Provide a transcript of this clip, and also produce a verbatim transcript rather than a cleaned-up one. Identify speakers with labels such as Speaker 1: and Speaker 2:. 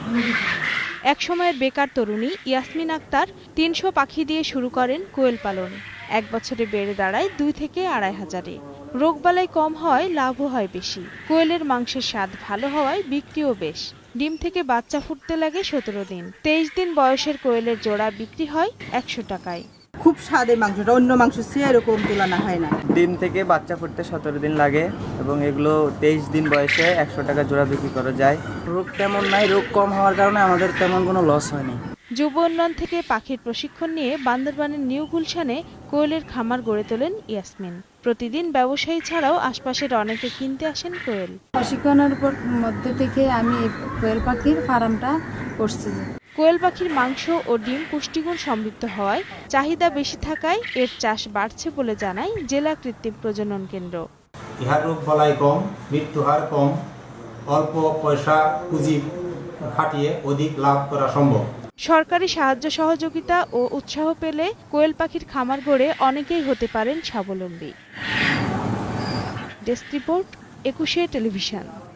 Speaker 1: একসময়ের বেকার তরুণী ইয়াসমিন আক্তার তিনশো পাখি দিয়ে শুরু করেন কোয়েল পালন। এক বছরে বেড়ে দাঁড়ায় দুই থেকে আড়াই হাজারে। রোগবালাই কম হয়, লাভও হয় বেশি। কোয়েলের মাংসের স্বাদ ভালো হওয়ায় বিক্রিও বেশ। ডিম থেকে বাচ্চা ফুটতে লাগে সতেরো দিন। তেইশ দিন বয়সের কোয়েলের জোড়া বিক্রি হয় একশো টাকায়।
Speaker 2: খুব স্বাদের মাংসটা, অন্য মাংস সে এরকম তুলনা হয় না।
Speaker 3: ডিম থেকে বাচ্চা ফুটতে সতেরো দিন লাগে এবং এগুলো তেইশ দিন বয়সে একশো টাকা জোড়া বিক্রি করা যায়।
Speaker 4: রোগ তেমন নাই, রোগ কম হওয়ার কারণে আমাদের তেমন কোনো লস হয়নি।
Speaker 1: যুব উন্নয়ন থেকে পাখির প্রশিক্ষণ নিয়ে বান্দরবানের নিউ গুলশানে কোয়েলের খামার গড়ে তোলেন ইয়াসমিন। প্রতিদিন ব্যবসায়ী ছাড়াও আশপাশের অনেকে কিনতে আসেন কোয়েল।
Speaker 5: প্রশিক্ষণের উপর মধ্যে থেকে আমি এই কোয়েল পাখির ফার্মটা করছি।
Speaker 1: কোয়েল পাখির মাংস ও ডিম পুষ্টিগুণ সমৃদ্ধ হওয়ায় চাহিদা বেশি থাকায় এর চাষ বাড়ছে বলে জানায় জেলা কৃত্রিম প্রজনন কেন্দ্র।
Speaker 6: ইহার রোগ বালাই কম, মৃত্যু হার কম, অল্প পয়সা পুঁজি খাটিয়ে অধিক লাভ করা সম্ভব।
Speaker 1: সরকারি সাহায্য সহযোগিতা ও উৎসাহ পেলে কোয়েল পাখির খামার গড়ে অনেকেই হতে পারেন স্বাবলম্বী। Desk report, Ekushey television.